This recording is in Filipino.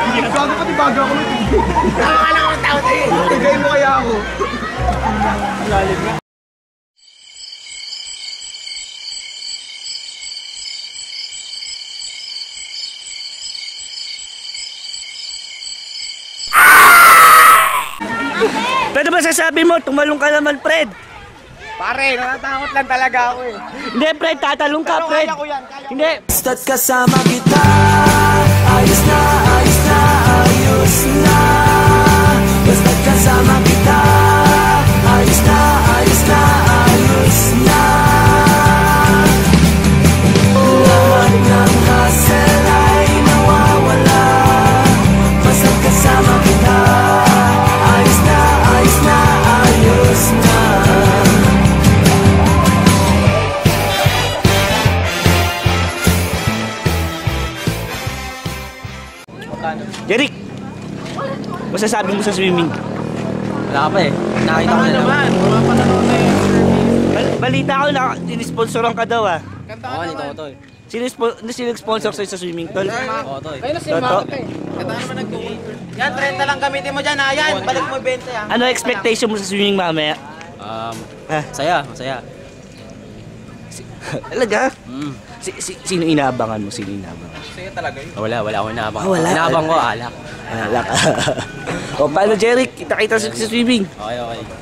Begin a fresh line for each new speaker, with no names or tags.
Gago pati bago ako nito.
Tama ka lang ang tao sa'yo.
Tigay mo kaya ako.
Lalim na.
Pwede ba sasabi mo, tumalong ka naman, Fred?
Pare, natatakot lang talaga ako eh.
Hindi, Fred, tatalong ka, Fred.
Kaya ko yan, kaya ko.
Hindi.
Basta't kasama kita, ayos na, ayos na, ayos na. Basta't kasama kita, ayos na, ayos na, ayos na. Lahat ng hassle ay nawawala. Basta't kasama kita, ayos na, ayos na, ayos na.
Jeric, masasabi mo sa swimming?
Wala ka pa eh. Nakita ko na naman.
Wala pa nanonood na yung service.
Balita ko na sinisponsoran ka daw ah.
Kanta
Oo,
ka
nito
naman.
ko to eh.
Sino sponsor sa'yo sa swimming tol?
Oo, to eh.
Ayun na si
Toto.
Mark eh. Kanta naman nag-2. Yan, 30 lang gamitin mo dyan ha. Yan, balik mo 20 ha.
Ano expectation mo sa swimming mamaya?
Masaya, masaya.
Talaga?
Mm.
Sino inaabangan mo? Sino inaabangan?
Sa'yo talaga yun.
Wala akong inaabang.
Ah, wala.
Inaabang ko, alak.
Alak. O paano, Jeric? Kita-kita sa swimming.
Okay.